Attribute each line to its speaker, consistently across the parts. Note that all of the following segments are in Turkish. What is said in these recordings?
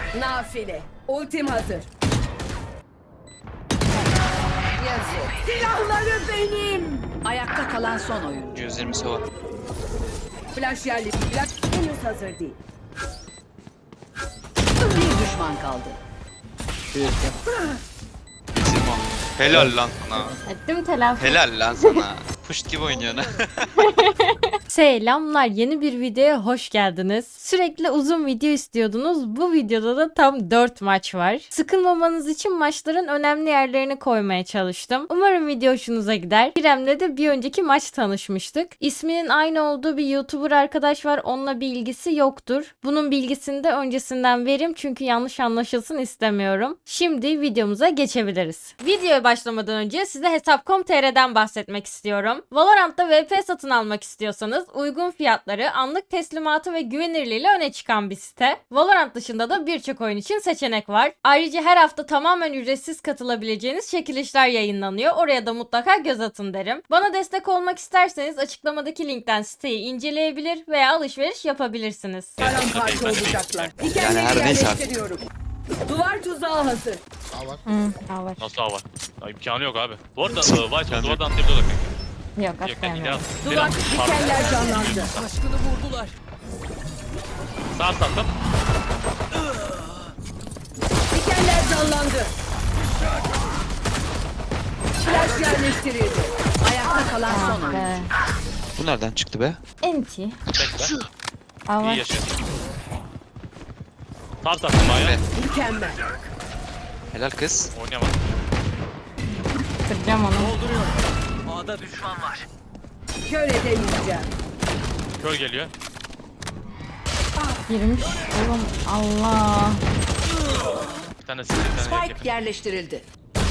Speaker 1: Nafile. Ultim hazır. Yazık. Silahları benim. Ayakta kalan son oyuncu.
Speaker 2: 120 sova.
Speaker 1: Flash yerli. Flash henüz hazır değil. Bir düşman kaldı.
Speaker 2: Simo. Helal lan sana.
Speaker 3: Ettim telafi.
Speaker 2: Helal lan sana. Puşt gibi oynuyorsun.
Speaker 3: Selamlar, yeni bir videoya hoş geldiniz. Sürekli uzun video istiyordunuz. Bu videoda da tam 4 maç var. Sıkılmamanız için maçların önemli yerlerini koymaya çalıştım. Umarım video hoşunuza gider. İrem'le de bir önceki maç tanışmıştık. İsminin aynı olduğu bir YouTuber arkadaş var. Onunla bir ilgisi yoktur. Bunun bilgisini de öncesinden vereyim çünkü yanlış anlaşılsın istemiyorum. Şimdi videomuza geçebiliriz. Videoya başlamadan önce size Hesap.com.tr'den bahsetmek istiyorum. Valorant'ta VP satın almak istiyorsanız uygun fiyatları, anlık teslimatı ve güvenirliğiyle öne çıkan bir site. Valorant dışında da birçok oyun için seçenek var. Ayrıca her hafta tamamen ücretsiz katılabileceğiniz çekilişler yayınlanıyor. Oraya da mutlaka göz atın derim. Bana destek olmak isterseniz açıklamadaki linkten siteyi inceleyebilir veya alışveriş yapabilirsiniz.
Speaker 1: Paramparça olacaklar.
Speaker 2: Yani her neyse artık.
Speaker 1: Yerleştiriyorum. Duvar tuzağı hazır.
Speaker 3: Var.
Speaker 4: Nasıl var? Ya, imkanı yok abi. Bu arada White
Speaker 2: İmkanı
Speaker 4: duvardan atlayabiliyor da kanka.
Speaker 3: Yok,
Speaker 4: Yok,
Speaker 3: atlayamıyorum.
Speaker 1: Duvar dikenler canlandı.
Speaker 4: Sağ sattım.
Speaker 1: Dikenler canlandı. Flash yerleştirildi. Ayakta kalan son oyuncu.
Speaker 2: Bu nereden çıktı be?
Speaker 3: Enti.
Speaker 4: Bekle.
Speaker 3: Aa,
Speaker 4: İyi
Speaker 3: var.
Speaker 4: yaşıyor. Sağ sattım bayağı.
Speaker 1: Mükemmel.
Speaker 2: Helal kız.
Speaker 4: Oynayamadım.
Speaker 3: Kıracağım onu.
Speaker 1: Kör edemeyeceğim.
Speaker 4: Kör geliyor.
Speaker 3: Girmiş. Oğlum Allah.
Speaker 4: Bir tane silah, bir tane
Speaker 1: Spike yerleştirildi.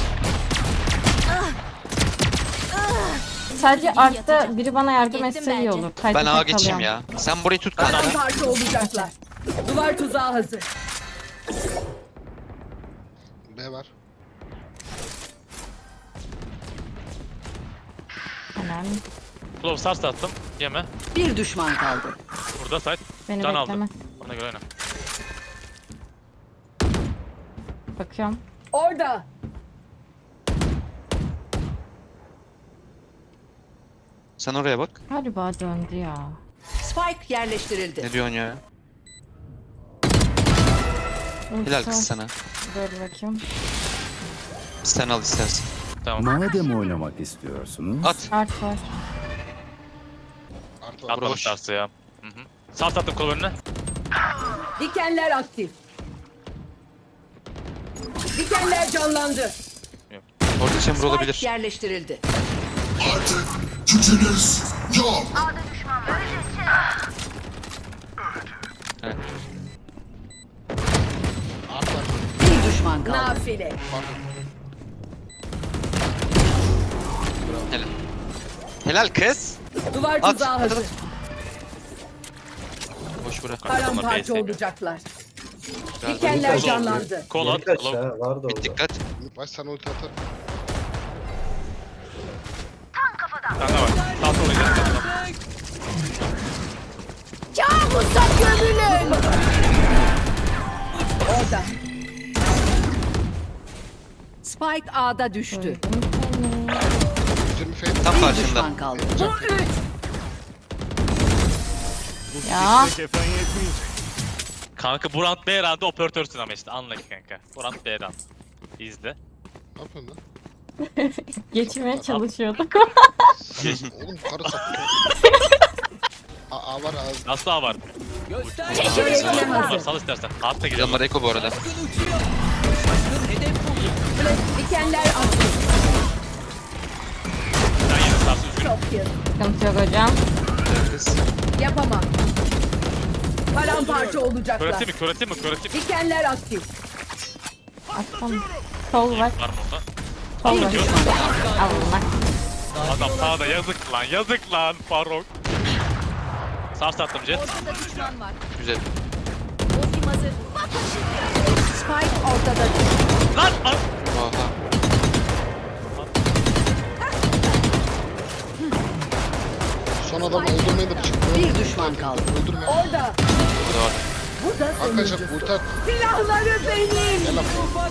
Speaker 3: Sadece artta biri bana yardım etse iyi olur.
Speaker 2: Ben
Speaker 3: Kayıtlı
Speaker 2: ağa geçeyim
Speaker 3: kalıyorum.
Speaker 2: ya. Sen burayı tut kanka.
Speaker 1: Paramparça olacaklar. Duvar tuzağı hazır.
Speaker 5: B var.
Speaker 3: Hemen.
Speaker 4: Glove sağ sattım. Yeme.
Speaker 1: Bir düşman kaldı.
Speaker 4: Burada site.
Speaker 3: Beni
Speaker 4: Can
Speaker 3: bekleme.
Speaker 4: aldım. Ona göre oyna.
Speaker 3: Bakıyorum.
Speaker 1: Orada.
Speaker 2: Sen oraya bak.
Speaker 3: Galiba döndü ya.
Speaker 1: Spike yerleştirildi.
Speaker 2: Ne diyorsun ya? Helal kız sana.
Speaker 3: Dur bakayım.
Speaker 2: Sen al istersen.
Speaker 4: Tamam.
Speaker 6: Madem oynamak istiyorsunuz,
Speaker 2: At.
Speaker 3: Art var.
Speaker 5: Artı var.
Speaker 4: Atmamış tersi ya. Hı hı. Sağ sattım kol önüne.
Speaker 1: Dikenler aktif. Dikenler canlandı.
Speaker 2: Orada chamber olabilir.
Speaker 1: Spike yerleştirildi.
Speaker 2: Evet.
Speaker 5: Artı var.
Speaker 1: Bir düşman kaldı. Nafile.
Speaker 2: Helal. Helal kız.
Speaker 1: Duvar
Speaker 2: At,
Speaker 1: tuzağı
Speaker 2: at,
Speaker 1: hazır.
Speaker 2: at. Boş bırak.
Speaker 1: Paramparça olacaklar. Dikenler canlandı.
Speaker 4: Kol at. Glove.
Speaker 2: Bir dikkat.
Speaker 5: Baş sana ulti atar.
Speaker 4: Kanka bak. Sağ sol oynayacağım.
Speaker 1: Kabusa gömülün. Orada. Spike A'da düştü.
Speaker 5: 120 fade.
Speaker 2: Tam
Speaker 1: Bir
Speaker 2: karşında.
Speaker 1: düşman kaldı. Bu üç.
Speaker 3: Ya.
Speaker 4: Kanka bu round B round'da operatörsün ama işte anla ki kanka. Bu round B round. İzle.
Speaker 5: Ne yapıyorsun lan?
Speaker 3: Geçmeye çalışıyordum.
Speaker 5: Oğlum karı sattı. A var ağız.
Speaker 4: Nasıl A var?
Speaker 1: Çekilişine hazır.
Speaker 4: Sal istersen. Altta gidelim.
Speaker 2: Canlar Eko bu arada.
Speaker 1: Dikenler aktif.
Speaker 4: Sen yine sarsın üzgünüm.
Speaker 1: Çok iyi.
Speaker 3: Sıkıntı yok hocam.
Speaker 2: Helal kız.
Speaker 1: Yapamam. Paramparça olacaklar.
Speaker 4: Köreti mi? Köreti mi? Köreti mi?
Speaker 1: Dikenler aktif.
Speaker 3: Attım. Sol var.
Speaker 4: Var mı orada?
Speaker 3: Sol var. Allah.
Speaker 4: Adam sağda yazık lan. Yazık lan Faruk. Sağ sattım Jet.
Speaker 2: Güzel.
Speaker 1: Spike ortada düştü.
Speaker 4: Lan! Lan!
Speaker 2: Oha.
Speaker 5: Son adamı öldürmeyi de çıktı.
Speaker 1: Bir düşman kaldı.
Speaker 5: Öldürme.
Speaker 1: Orada.
Speaker 2: Bu da var.
Speaker 1: Bu da
Speaker 5: Arkadaşlar
Speaker 1: sonuncusu.
Speaker 5: ulti at.
Speaker 1: Silahları benim.
Speaker 5: Gel lan.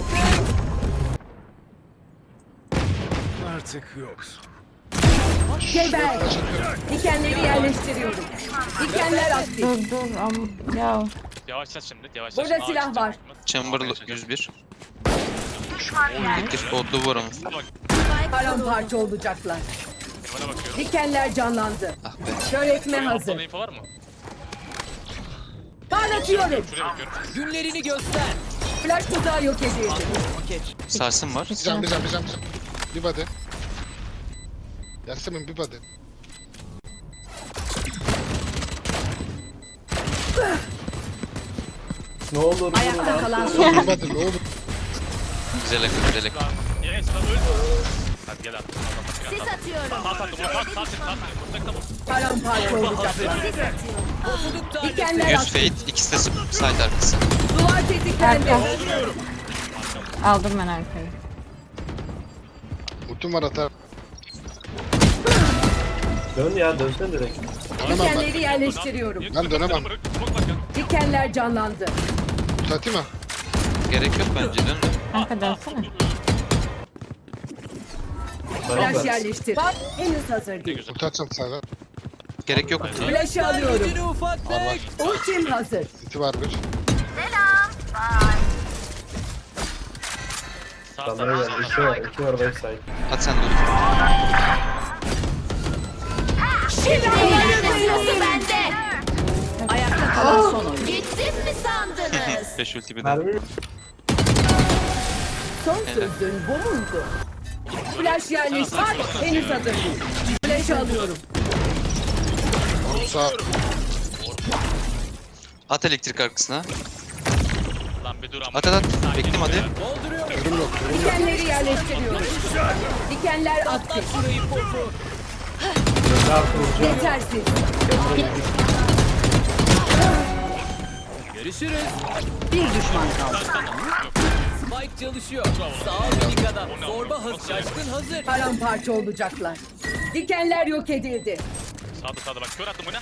Speaker 1: Geber.
Speaker 5: Flash atıyorum.
Speaker 1: Dikenleri yerleştiriyorum. Dikenler aktif.
Speaker 3: Dur ya.
Speaker 4: Yavaşlat şimdi. Yavaşlat.
Speaker 1: Burada
Speaker 4: şimdi.
Speaker 1: silah var.
Speaker 2: Chamberlain 101. Bitir botlu vur onu.
Speaker 4: Bak.
Speaker 1: Paramparça olacaklar.
Speaker 4: Bana bakıyorum.
Speaker 1: Dikenler canlandı.
Speaker 2: Ah be.
Speaker 1: Kör etme
Speaker 4: Altında
Speaker 1: hazır.
Speaker 4: info var mı?
Speaker 1: Parlatıyorum.
Speaker 4: Şuraya bakıyorum.
Speaker 7: Günlerini göster.
Speaker 1: Flash tuzağı yok edildi.
Speaker 2: Sarsın var.
Speaker 5: Bir can. Bir body. Yasemin bir body.
Speaker 1: Ayakta kalan son.
Speaker 5: Bir body ne olur.
Speaker 2: Güzel akıl güzel akıl.
Speaker 4: Lan. Yes lan öldü. Hadi gel abi.
Speaker 8: Sis atıyorum.
Speaker 4: Sağ sattım. Sağ sattım. Vuracak da vur.
Speaker 1: Paramparça olacaklar. Dikenler
Speaker 2: 100
Speaker 1: aktif.
Speaker 2: fade. İkisi de side arkası.
Speaker 1: Duvar tetiklendi.
Speaker 3: Aldım ben arkayı.
Speaker 5: Ultim var atar.
Speaker 9: Dön ya dönsene direkt.
Speaker 5: Dönemem ben.
Speaker 1: Dikenleri yerleştiriyorum.
Speaker 5: Ben dönemem.
Speaker 4: Smoke bak ya.
Speaker 1: Dikenler canlandı.
Speaker 5: Ulti atayım mı?
Speaker 2: Gerek yok bence dön de.
Speaker 3: Kanka dönsene.
Speaker 1: Flash yerleştir. Bak henüz hazır değil.
Speaker 5: Ulti atacağım sana.
Speaker 2: Gerek yok.
Speaker 1: Flash'ı alıyorum.
Speaker 7: Gücünü ufaklık.
Speaker 5: Var var.
Speaker 1: Ultim hazır.
Speaker 5: City var bir.
Speaker 4: Sağ
Speaker 9: Kalmaya
Speaker 4: sağ.
Speaker 9: gel. İki var backside.
Speaker 2: At sen de dur.
Speaker 8: Sırası bende.
Speaker 1: Ayakta kalan son oyun.
Speaker 8: Gittim mi sandınız?
Speaker 2: 5 ulti bir de.
Speaker 9: Mermi
Speaker 1: Son sözün bu muydu? Flash yerleştir. Henüz hazır değil. Flash'ı alıyorum.
Speaker 5: Sağ.
Speaker 2: At elektrik arkasına.
Speaker 4: Lan bir dur ama.
Speaker 2: At. Bekledim hadi.
Speaker 5: Ürüm yok.
Speaker 1: Dikenleri yerleştiriyorum. Dikenler aktif.
Speaker 7: Şurayı popu.
Speaker 1: Yetersiz.
Speaker 7: Görüşürüz.
Speaker 1: Bir düşman kaldı.
Speaker 7: Spike çalışıyor. Sağ ol minik adam. Zorba hazır. Şaşkın hazır.
Speaker 1: Paramparça olacaklar. Dikenler yok edildi.
Speaker 4: Sağda bak. Kör attım bu ne?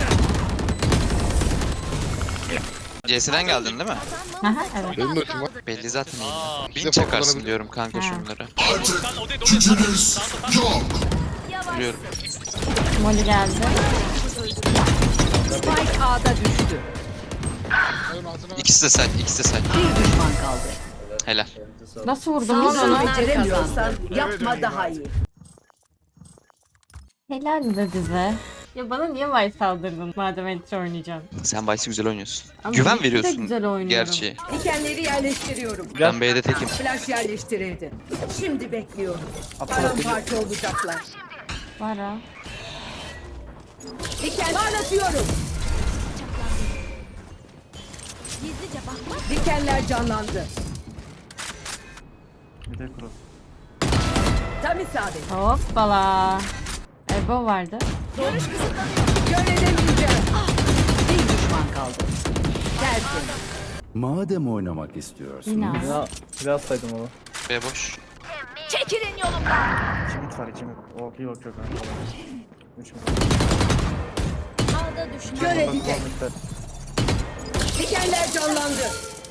Speaker 2: CS'den geldin değil mi?
Speaker 3: Aha evet.
Speaker 5: Benim de ultim var.
Speaker 2: Belli zaten.
Speaker 4: Aa.
Speaker 2: Bin çakarsın diyorum kanka şunları.
Speaker 4: Sen o değil o değil. Sağda.
Speaker 2: Biliyorum.
Speaker 3: Molly geldi.
Speaker 1: Spike A'da düştü.
Speaker 5: Hayır ağzına bak.
Speaker 2: İkisi de side. İkisi de side.
Speaker 1: Bir düşman kaldı.
Speaker 2: Helal.
Speaker 3: Nasıl vurdum lan
Speaker 1: Bunu
Speaker 3: onu?
Speaker 1: beceremiyorsan yapma daha iyi.
Speaker 3: Helal be bize. Ya bana niye Vice saldırdın madem Entry oynayacaksın?
Speaker 2: Sen Vice'i güzel oynuyorsun.
Speaker 3: Ama
Speaker 2: Güven
Speaker 3: Vice'i de
Speaker 2: veriyorsun.
Speaker 3: güzel oynuyorum.
Speaker 2: Gerçi.
Speaker 1: Dikenleri yerleştiriyorum.
Speaker 2: Ben B'de tekim.
Speaker 1: Flash yerleştirildi. Şimdi bekliyorum. Paramparça olacaklar.
Speaker 3: Var ha.
Speaker 1: Diken parlatıyorum.
Speaker 8: Gizlice bakmak.
Speaker 1: Dikenler canlandı.
Speaker 9: Bir de kuru.
Speaker 1: Tam isabet.
Speaker 3: Hoppala. Ebo vardı.
Speaker 1: Göremeyeceğim. Bir düşman kaldı. Tersin.
Speaker 6: Madem oynamak istiyorsunuz,
Speaker 3: Yine al.
Speaker 9: Ya biraz saydım onu.
Speaker 2: B boş.
Speaker 8: Çekilin yolumdan.
Speaker 9: 2 mit var 2 mit. O iyi bakıyor kanka. 3 mit.
Speaker 8: Ağda düşman.
Speaker 1: Görecek.
Speaker 9: Mitler.
Speaker 1: Dikenler canlandı.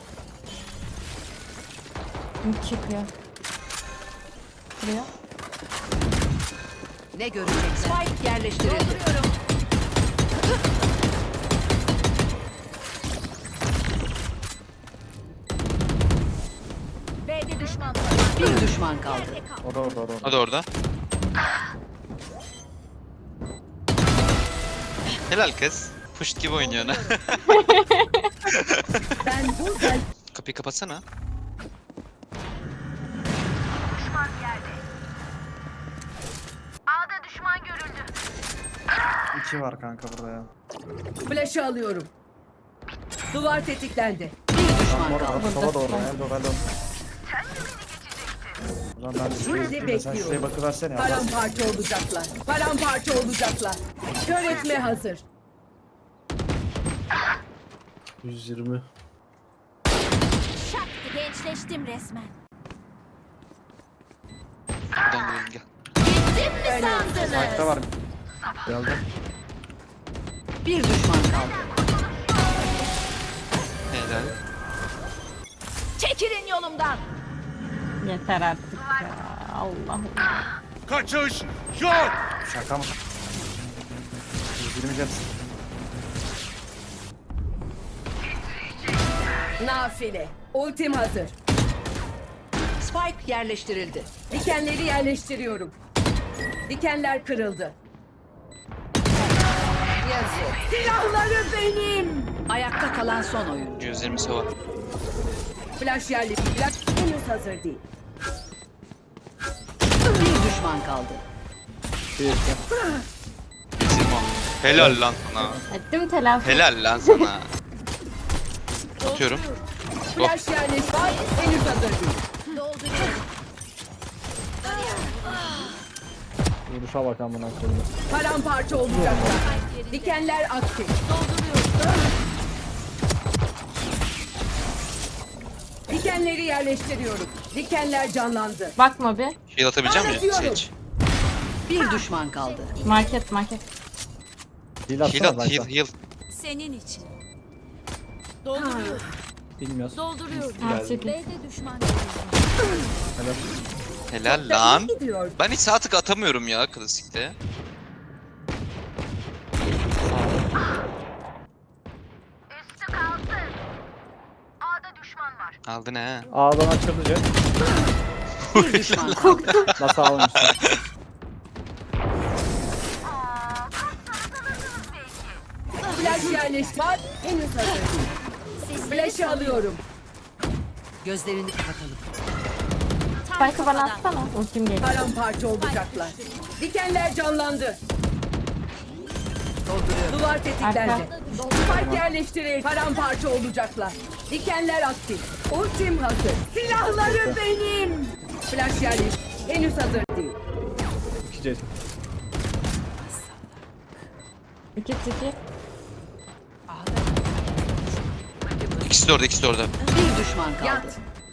Speaker 3: Çıkıyor. Buraya.
Speaker 1: Ne göreceksin? Spike yerleştirildi.
Speaker 8: B'de düşman var.
Speaker 1: Bir düşman kaldı.
Speaker 9: O da orada o da orada.
Speaker 2: O da orada. Helal kız. Puşt gibi oynuyorsun ha.
Speaker 1: Ben burada
Speaker 2: Kapıyı kapatsana.
Speaker 8: Ağda düşman görüldü.
Speaker 9: 2 var kanka burada ya.
Speaker 1: flash'ı alıyorum. Duvar tetiklendi. Bir düşman kaldı.
Speaker 9: Sola doğru. Endo endo. O zaman ben de
Speaker 1: Şimdi
Speaker 9: sen şuraya
Speaker 1: bekliyorum.
Speaker 9: bakıversene ya.
Speaker 1: Paramparça olacaklar. Paramparça olacaklar. Kör etme hazır.
Speaker 9: 120.
Speaker 8: Şaktı gençleştim resmen.
Speaker 2: Buradan gidelim gel.
Speaker 8: Gittim mi sandınız?
Speaker 9: Ayakta var. Geldi.
Speaker 1: Bir düşman kaldı.
Speaker 2: Helal.
Speaker 8: Çekilin yolumdan.
Speaker 3: Yeter artık ya. Allah'ım.
Speaker 4: Kaçış yok.
Speaker 9: Şaka mı? 120 can.
Speaker 1: Nafile. Ultim hazır. Spike yerleştirildi. Dikenleri yerleştiriyorum. Dikenler kırıldı. Yazık. Silahları benim. Ayakta kalan son oyuncu.
Speaker 2: 120 sova.
Speaker 1: Flash yerleştirildi. Flash henüz hazır değil. Bir düşman kaldı.
Speaker 2: Simon. Helal lan sana.
Speaker 3: Ettim telafi.
Speaker 2: Helal lan sana. Atıyorum. Go.
Speaker 1: Flash yerleştirildi. Henüz hazır değil.
Speaker 8: Dolduruyorum.
Speaker 9: Vuruşa bak amına koyayım.
Speaker 1: Paramparça olacaklar. Dikenler aktif. Dikenleri yerleştiriyorum. Dikenler canlandı.
Speaker 3: Bakma bir.
Speaker 2: Heal atabileceğim mi?
Speaker 1: Anlatıyorum.
Speaker 2: Seç.
Speaker 1: Bir düşman kaldı.
Speaker 3: Market.
Speaker 9: Heal
Speaker 2: Heal
Speaker 9: atsana
Speaker 2: at,
Speaker 9: belki.
Speaker 2: heal.
Speaker 8: Senin için. Dolduruyorum.
Speaker 9: Bilmiyoruz.
Speaker 8: Dolduruyorum.
Speaker 3: Market.
Speaker 8: B'de düşman.
Speaker 2: Helal lan.
Speaker 1: Gidiyor.
Speaker 2: Ben hiç sağ tık atamıyorum ya klasikte. Aldın he.
Speaker 9: A'dan açıldı can.
Speaker 1: Bir düşman kaldı.
Speaker 9: Nasıl almışsın?
Speaker 1: Flash yerleştirildi. Henüz hazır değil. Flash'ı alıyorum. Gözlerini kapatalım.
Speaker 3: Spike'ı bana atsana. Ultim geliyor.
Speaker 1: Paramparça olacaklar. Dikenler canlandı. Duvar tetiklendi.
Speaker 3: Arka.
Speaker 1: Spike yerleştirir. Paramparça olacaklar. Dikenler aktif. Ultim hazır. Silahları benim. Flash yerleştirildi. Henüz hazır değil.
Speaker 9: 2 Jason.
Speaker 3: 2 2.
Speaker 2: İkisi de orada, ikisi de orada.
Speaker 1: Bir düşman kaldı. Yat.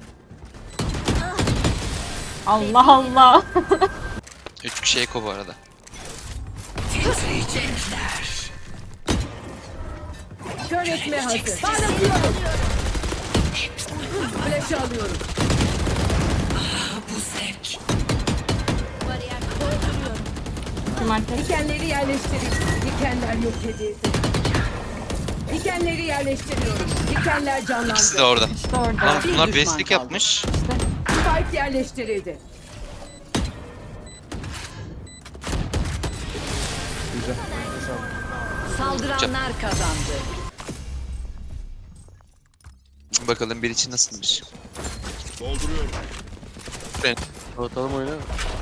Speaker 3: Allah Allah.
Speaker 2: 3 kişi eko bu arada.
Speaker 1: Kör etme hazır. Parlatıyorum. Flash'ı alıyorum.
Speaker 8: Bariyer dolduruyorum.
Speaker 3: 2 market.
Speaker 1: Dikenleri yerleştirin. Dikenler yok edildi. Dikenleri yerleştiriyorum. Dikenler canlandı.
Speaker 2: İkisi de orada.
Speaker 3: İşte orada.
Speaker 2: Lan
Speaker 1: Bir
Speaker 2: bunlar
Speaker 1: düşman
Speaker 2: beslik
Speaker 1: kaldı.
Speaker 2: yapmış.
Speaker 1: Spike yerleştirildi.
Speaker 9: Güzel.
Speaker 1: Saldıranlar kazandı.
Speaker 2: Bakalım bir için nasılmış.
Speaker 9: Ortalama oyna.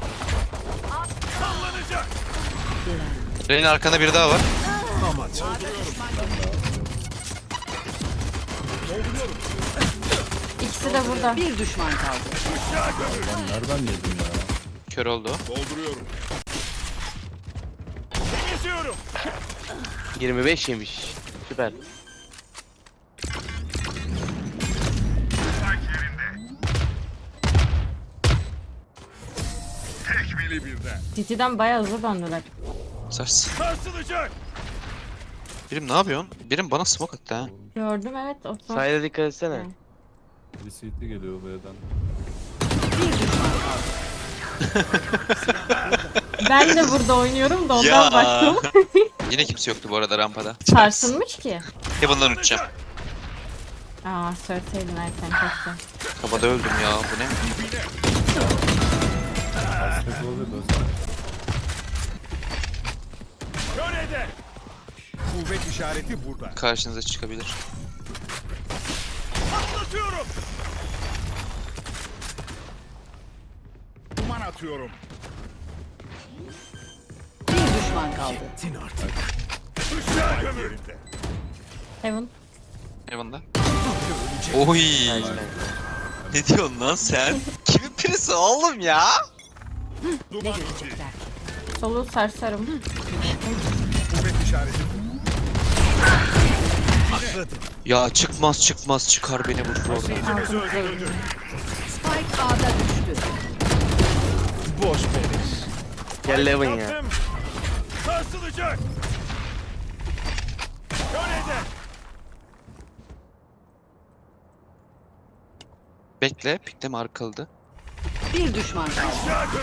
Speaker 2: Reyna arkanda biri daha var.
Speaker 3: İkisi de burada.
Speaker 1: Bir düşman kaldı.
Speaker 6: Nereden yedin ya?
Speaker 2: Kör oldu.
Speaker 10: 25 yemiş. Süper.
Speaker 3: City'den bayağı hızlı döndüler.
Speaker 2: Sars. Birim ne yapıyorsun? Birim bana smoke attı ha.
Speaker 3: Gördüm evet. O son.
Speaker 10: Sayda dikkat etsene.
Speaker 6: Bir CT geliyor B'den.
Speaker 1: Bir düşman kaldı.
Speaker 3: Ben de burada oynuyorum da ondan
Speaker 2: Ya.
Speaker 3: baktım.
Speaker 2: Yine kimse yoktu bu arada rampada.
Speaker 3: Sarsılmış ki.
Speaker 2: Heaven'dan uçacağım.
Speaker 3: Aa söyleseydin erken keşke.
Speaker 2: Havada öldüm ya, bu ne?
Speaker 6: Aspect olabilir de.
Speaker 4: Kuvvet işareti burada.
Speaker 2: Karşınıza çıkabilir.
Speaker 4: Atlatıyorum. Duman atıyorum.
Speaker 1: Bir düşman kaldı.
Speaker 4: Işığa gömülde.
Speaker 3: Heaven.
Speaker 2: Heaven'da. Oy. Ne diyorsun lan sen? Kimin pirisi oğlum ya?
Speaker 4: Duman indi.
Speaker 3: Solu sarsarım.
Speaker 4: Kuvvet işareti. Atladım.
Speaker 2: Ya çıkmaz çıkar beni bu şu
Speaker 4: Taşıyıcımız öldürüldü.
Speaker 1: Spike A'da düştü.
Speaker 4: Boş beleş.
Speaker 10: Gel Levin ya.
Speaker 4: Yaptım. Sarsılacak. Kör eder.
Speaker 2: Bekle. Pikleme arkalıdı.
Speaker 1: Bir düşman kaldı.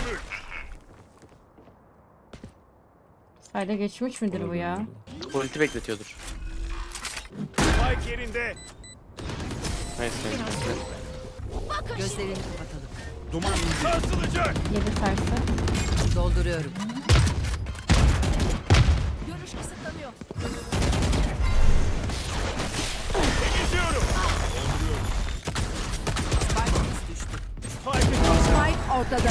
Speaker 3: Sayda geçmiş midir bu ya?
Speaker 10: Ulti bekletiyordur.
Speaker 7: Spike yerinde.
Speaker 10: Neyse.
Speaker 1: Gözlerini kapatalım.
Speaker 7: Duman sarsılacak.
Speaker 3: 7 tersi.
Speaker 1: Dolduruyorum.
Speaker 8: Görüş kısıtlanıyor.
Speaker 7: Geçiyorum.
Speaker 1: Spike ortada.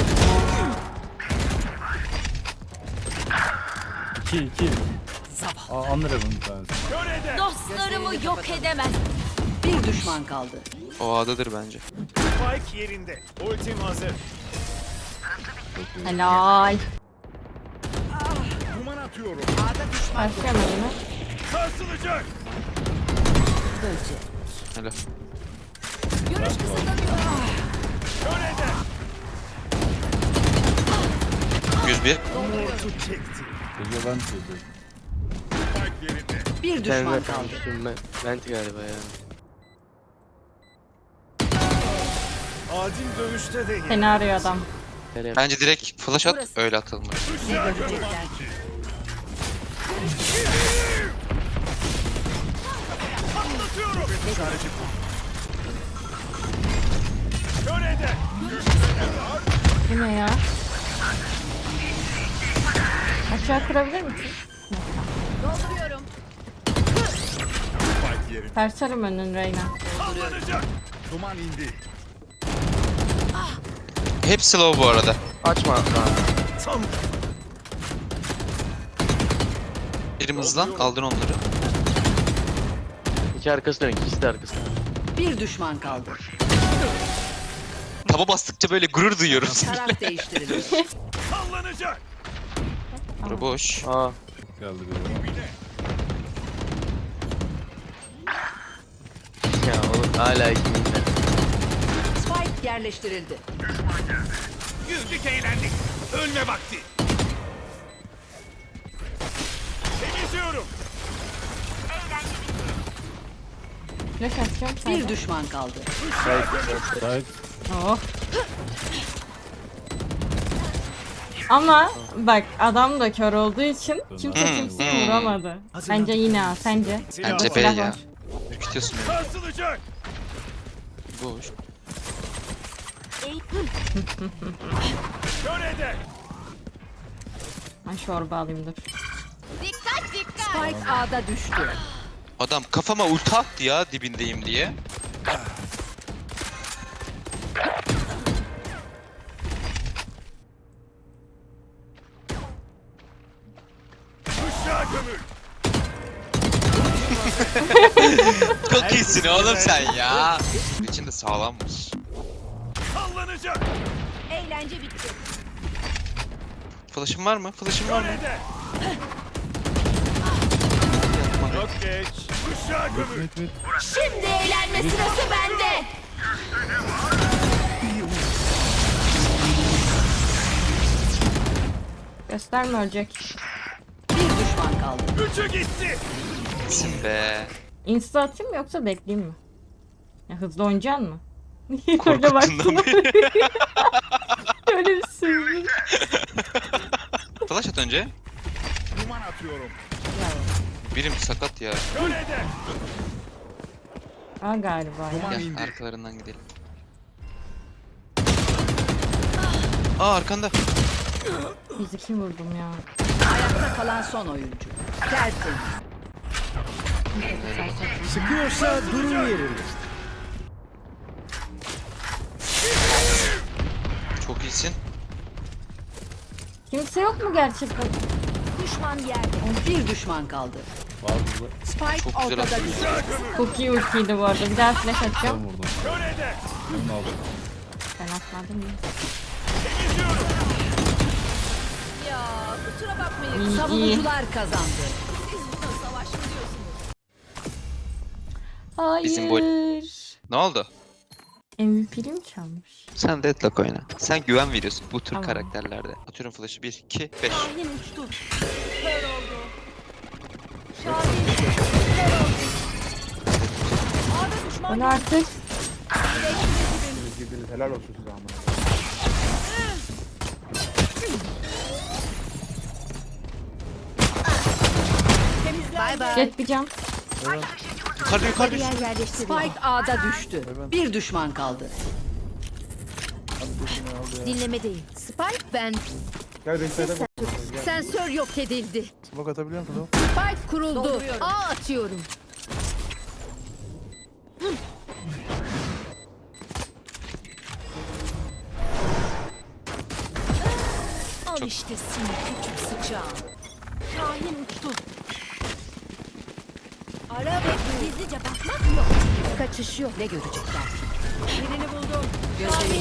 Speaker 6: 2. Unraven bir tanesi.
Speaker 7: Körede.
Speaker 8: Dostlarımı yok edemez.
Speaker 1: Bir düşman kaldı.
Speaker 2: O A'dadır bence.
Speaker 7: Spike yerinde. Ultim hazır.
Speaker 3: Helal.
Speaker 7: Duman atıyorum.
Speaker 3: Başlayalım yine.
Speaker 7: Sarsılacak.
Speaker 2: Helal.
Speaker 8: Görüş kısıtlanıyor.
Speaker 7: Körede.
Speaker 2: 101.
Speaker 7: Çekti.
Speaker 6: Gece ben çektim.
Speaker 7: Spike yerinde.
Speaker 1: Bir
Speaker 10: Ben
Speaker 1: düşman
Speaker 10: de
Speaker 1: kaldı.
Speaker 10: kalmıştım ben. Vent galiba ya.
Speaker 7: Adil dövüşte de
Speaker 3: Seni arıyor adam.
Speaker 10: Nereye?
Speaker 2: Bence direkt flash at öyle atalım.
Speaker 1: Ne görecekler?
Speaker 7: Patlatıyorum. Körede.
Speaker 3: Bu ne ya? Aşağı kırabilir misin?
Speaker 8: Dolduruyorum.
Speaker 7: Spike yerinde.
Speaker 3: Tersarım önün Reyna.
Speaker 7: Sallanacak. Duman indi.
Speaker 2: Hepsi slow bu arada.
Speaker 10: Açma lan.
Speaker 7: Tam.
Speaker 2: Birim hızlan. Aldın onları.
Speaker 10: İki arkası dönük. İkisi de arkası.
Speaker 1: Bir düşman kaldı.
Speaker 2: Taba bastıkça böyle gurur duyuyorum.
Speaker 1: Taraf değiştirilir.
Speaker 7: Sallanacak.
Speaker 2: Bura boş.
Speaker 10: Aa.
Speaker 6: Geldi biri.
Speaker 10: Ya oğlum hala ikimiz de.
Speaker 1: Spike yerleştirildi.
Speaker 7: Güldük eğlendik. Ölme vakti. Temizliyorum.
Speaker 3: Flash atacağım
Speaker 1: Bir
Speaker 3: sayda.
Speaker 1: düşman kaldı.
Speaker 6: Sait.
Speaker 3: Oh. Ama bak adam da kör olduğu için kimse kimseyi vuramadı. Bence yine A. Sence?
Speaker 2: Bence B
Speaker 3: Silah
Speaker 2: ya.
Speaker 3: var.
Speaker 2: Ürkütüyorsun beni.
Speaker 7: Sarsılacak.
Speaker 2: Boş.
Speaker 7: Körede.
Speaker 3: Ben çorba alayım dur.
Speaker 8: Dikkat dikkat.
Speaker 1: Spike A'da düştü.
Speaker 2: Adam kafama ulti attı ya dibindeyim diye.
Speaker 7: Kuşağı gömül.
Speaker 2: Çok iyisin oğlum sen ya. İçinde sağlammış.
Speaker 7: Sallanacak.
Speaker 8: Eğlence bitti.
Speaker 2: Flash'ın var mı? Flash'ın var mı?
Speaker 7: Körede. Çok geç. Kuşağı gömül.
Speaker 6: Mit.
Speaker 8: Şimdi eğlenme sırası bende.
Speaker 3: Gösterme ölecek.
Speaker 1: Bir düşman kaldı.
Speaker 7: Üçü gitti.
Speaker 2: İyisin be.
Speaker 3: Insta atayım mı yoksa bekleyeyim mi? Ya hızlı oynayacaksın mı? Öyle
Speaker 2: Korkuttundan
Speaker 3: baksana.
Speaker 2: beri.
Speaker 3: Öyle bir sürü.
Speaker 2: Flash at önce.
Speaker 7: Duman atıyorum.
Speaker 2: Birim sakat ya.
Speaker 7: Körede.
Speaker 3: Aa galiba ya.
Speaker 2: Gel arkalarından gidelim. Aa arkanda.
Speaker 3: 102 vurdum ya.
Speaker 1: Ayakta kalan son oyuncu. Tertemiz.
Speaker 7: Sıkıyorsa durun yerinde.
Speaker 2: Çok iyisin.
Speaker 3: Kimse yok mu gerçekten?
Speaker 8: Düşman yerde.
Speaker 1: Bir düşman kaldı.
Speaker 6: Var burada.
Speaker 1: Spike
Speaker 2: Çok güzel
Speaker 1: ortada
Speaker 2: attın.
Speaker 1: düştü.
Speaker 3: Çok iyi ultiydi bu arada. Bir daha flash
Speaker 6: Ben
Speaker 3: atacağım.
Speaker 6: vurdum.
Speaker 7: Körede.
Speaker 6: Onu aldım.
Speaker 3: Ben atmadım ya.
Speaker 7: Temizliyorum.
Speaker 8: Ya kusura bakmayın.
Speaker 3: İyi iyi.
Speaker 1: Savunucular kazandı.
Speaker 8: Siz burada savaş mı diyorsunuz?
Speaker 3: Hayır.
Speaker 2: Bizim bu- Ne oldu?
Speaker 3: MVP'li mi çalmış?
Speaker 2: Sen Deadlock oyna. Sen güven veriyorsun bu tür
Speaker 3: Tamam.
Speaker 2: karakterlerde. Atıyorum flash'ı 1, 2, 5.
Speaker 8: Şahin uçtu. Kör oldu. Şahin kör oldu. Ağda düşman
Speaker 3: Onu artık
Speaker 8: Direkt dibimiz.
Speaker 9: girdiniz. Helal olsun size amına.
Speaker 8: Bay bay.
Speaker 3: Jet bir can.
Speaker 2: Yukarıda.
Speaker 8: Yer yerleştiriliyor.
Speaker 1: Spike A'da düştü. Bir düşman kaldı.
Speaker 8: Dinlemedeyim. Spike ben.
Speaker 9: Gel Beyza'da bak.
Speaker 8: Sensör yok edildi.
Speaker 6: Smoke atabiliyor musun?
Speaker 8: Spike kuruldu. A atıyorum. Al işte seni küçük sıçağım. Şahin uçtu. Ara ve gizlice bakmak yok. Kaçış yok.
Speaker 1: Ne görecekler?
Speaker 8: Birini buldum.
Speaker 1: Gözlerini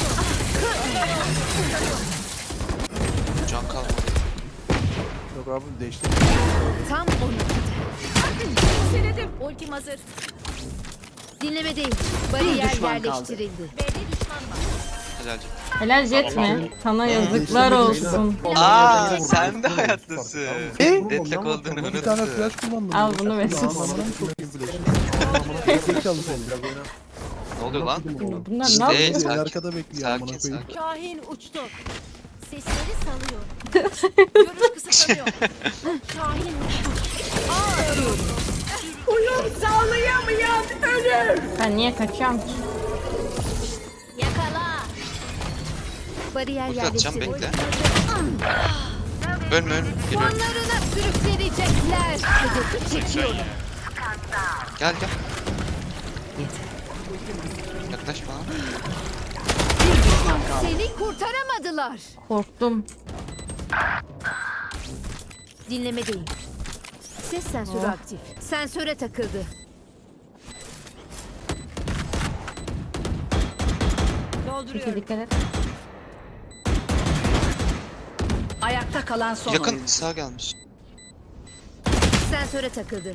Speaker 2: Can kalmadı.
Speaker 6: Yok abi değişti.
Speaker 8: Tam 12'de. Seledim. Ultim hazır. Dinlemedeyim. Bariyer
Speaker 1: düşman kaldı.
Speaker 8: yerleştirildi. B'de düşman var.
Speaker 2: Helalci.
Speaker 3: Helal Jet mi? Sana yazıklar olsun.
Speaker 2: Aa sen de hayattasın. Deadlock olduğunu
Speaker 6: Bir tane
Speaker 2: unuttum.
Speaker 6: flash kullandım.
Speaker 3: Al bunu Mesut.
Speaker 6: Anlamadım çok iyi flash. Zekalı seni.
Speaker 2: Ne oluyor lan?
Speaker 3: Bunlar
Speaker 2: İşte-
Speaker 3: ne yapıyor?
Speaker 6: Beni
Speaker 2: Sakin.
Speaker 6: arkada bekliyor amına
Speaker 2: Sakin
Speaker 6: koyayım.
Speaker 2: sakin.
Speaker 8: Şahin uçtu. Sesleri salıyor. Görüş kısıtlanıyor. Şahin uçtu. A atıyorum.
Speaker 1: uyum sağlayamayan ölür.
Speaker 3: Ben niye kaçıyorum ki?
Speaker 8: Yakala. Bariyer
Speaker 2: Ulti atacağım
Speaker 8: yerleştirildi.
Speaker 2: bekle. Ölme ölme. Geliyorum.
Speaker 8: Sonlarına sürüklenecekler. Hedefi çekiyorum.
Speaker 2: Gel gel. Yaklaş bana.
Speaker 1: Bir düşman kaldı.
Speaker 8: Seni kurtaramadılar.
Speaker 3: Korktum.
Speaker 8: Dinlemedeyim. Ses sensörü aktif. Sensöre takıldı.
Speaker 3: Peki dikkat et.
Speaker 1: Ayakta kalan son
Speaker 2: Yakın
Speaker 1: oyuncu.
Speaker 2: sağ gelmiş.
Speaker 8: Sensöre takıldı.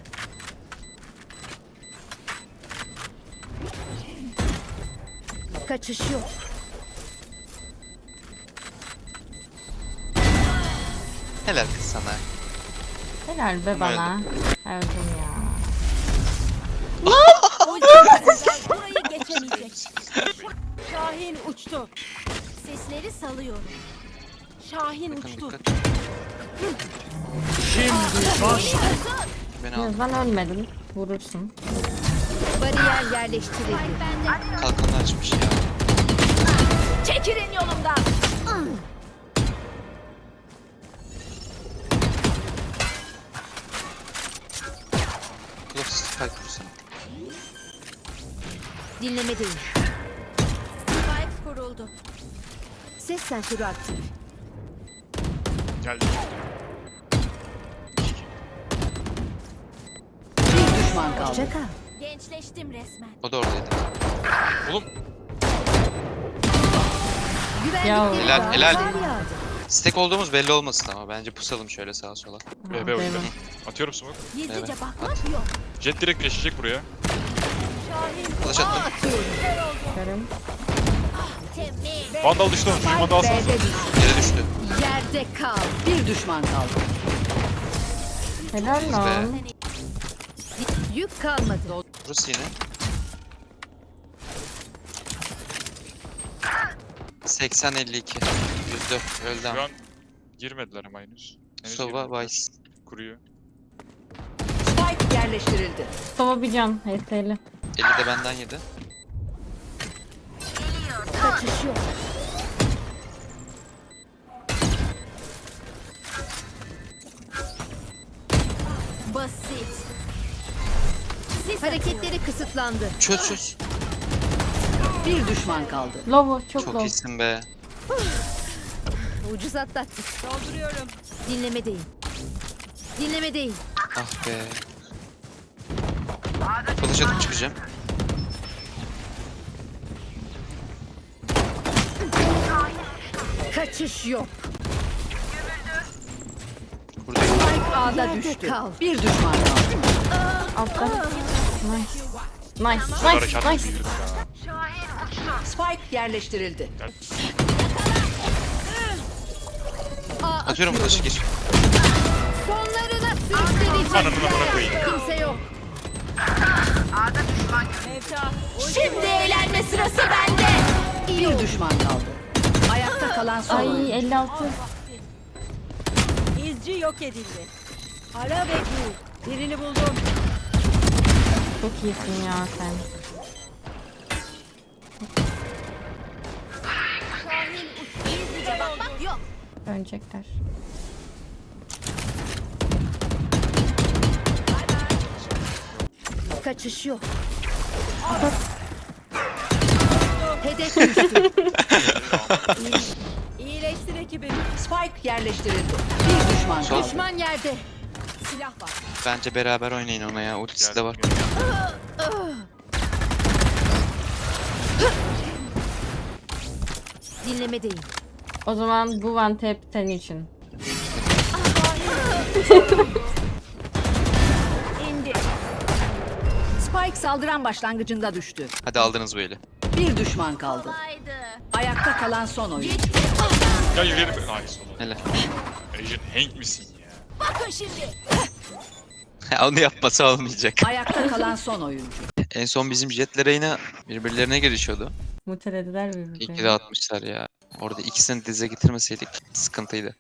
Speaker 8: Kaçış yok.
Speaker 2: Helal kız sana.
Speaker 3: Helal be bana. Öldüm ya.
Speaker 8: Burayı geçemeyecek. Şahin uçtu. Sesleri salıyorum. Şahin
Speaker 2: Yakın
Speaker 8: uçtu.
Speaker 2: dikkat. Beni al.
Speaker 3: Ben ölmedim. Vurursun.
Speaker 8: Bariyer yerleştirildi.
Speaker 2: Kalkanı açmış ya.
Speaker 8: Çekilin yolumdan.
Speaker 2: Close spike vursana.
Speaker 8: Dinlemedeyim. Spike kuruldu. Ses sensörü aktif.
Speaker 4: Geldi.
Speaker 1: Bir düşman kaldı.
Speaker 8: Hoşça kal. Gençleştim resmen.
Speaker 2: O da oradaydı.
Speaker 4: Oğlum
Speaker 8: Güvendikleri
Speaker 2: Helal,
Speaker 8: var.
Speaker 2: helal.
Speaker 8: Kar yağdı.
Speaker 2: Stack olduğumuz belli olmasın ama bence pusalım şöyle sağa sola.
Speaker 4: BB oyunda. Atıyorum smoke.
Speaker 8: Gizlice
Speaker 2: Evet,
Speaker 8: bakmak yok.
Speaker 4: Jet direkt geçecek buraya.
Speaker 8: Şahin
Speaker 2: Flash
Speaker 8: A
Speaker 2: attım.
Speaker 8: atıyorum.
Speaker 3: Görüm.
Speaker 8: Temiz.
Speaker 4: Vandal düştü. Vandal alsanıza.
Speaker 1: B'de düştü.
Speaker 2: Yere düştü.
Speaker 8: Yerde kal.
Speaker 1: Bir düşman kaldı.
Speaker 3: Helal lan.
Speaker 8: Yük kalmadı.
Speaker 2: Burası yine. 80-52. Yüzde öldü
Speaker 4: Şu
Speaker 2: ama.
Speaker 4: an girmediler ama henüz. Henüz
Speaker 2: Sova
Speaker 4: girmediler.
Speaker 2: Vice.
Speaker 4: Kuruyor.
Speaker 1: Spike yerleştirildi.
Speaker 3: Sova bir can. HS'li.
Speaker 2: 50 de benden yedi.
Speaker 8: Kaçış yok. Basit. Hareketleri kısıtlandı.
Speaker 2: Çöz çöz.
Speaker 1: Bir düşman kaldı.
Speaker 3: Lovo çok
Speaker 2: Çok
Speaker 3: low.
Speaker 2: iyisin be.
Speaker 8: Ucuz atlattık. Dolduruyorum. Dinlemedeyim. Dinlemedeyim.
Speaker 2: Ah be. Flash atıp çıkacağım.
Speaker 8: Kaçış yok.
Speaker 2: Buradayım.
Speaker 1: Spike A'da
Speaker 8: Yerde
Speaker 1: düştü.
Speaker 8: kal.
Speaker 1: Bir düşman kaldı.
Speaker 3: Altta. Nice. Nice.
Speaker 4: Çok
Speaker 3: Nice.
Speaker 4: hareketli
Speaker 3: Nice.
Speaker 4: bir ya.
Speaker 1: Spike yerleştirildi.
Speaker 8: A
Speaker 2: Atıyorum flash'ı gir.
Speaker 8: Sonlarına sürükleyecekler.
Speaker 4: Ananı amına koyayım.
Speaker 8: Kimse yok. Şimdi eğlenme sırası bende.
Speaker 1: Bir düşman kaldı. Ayakta kalan son oyuncu.
Speaker 3: Ay 56.
Speaker 8: İzci yok edildi. Ara ve gül. Birini buldum.
Speaker 3: Çok iyisin ya sen.
Speaker 8: Gizlice bakmak yok.
Speaker 3: Dönecekler.
Speaker 8: Kaçış yok. Hedef düştü. İyileştir ekibim.
Speaker 1: Spike yerleştirildi. Bir düşman kaldı.
Speaker 8: Düşman yerde.
Speaker 1: Silah var.
Speaker 2: Bence beraber oynayın ona ya. Ultisi de var.
Speaker 8: Dinlemedeyim.
Speaker 3: O zaman bu one tap senin için.
Speaker 8: İndi.
Speaker 1: Spike saldıran başlangıcında düştü.
Speaker 2: Hadi aldınız bu eli.
Speaker 1: Bir düşman kaldı.
Speaker 8: Kolaydı.
Speaker 1: Ayakta kalan son oyuncu.
Speaker 4: Ya yürüyelim. Nice oğlum.
Speaker 2: Hele.
Speaker 4: Agent Hank misin ya?
Speaker 8: Bakın şimdi.
Speaker 2: Onu yapması olmayacak.
Speaker 1: Ayakta kalan son oyuncu.
Speaker 2: En son bizim jetlere yine birbirlerine girişiyordu.
Speaker 3: Mutelediler
Speaker 2: İyi ki
Speaker 3: birbirlerini.
Speaker 2: de atmışlar ya. Orada ikisini dize getirmeseydik sıkıntıydı.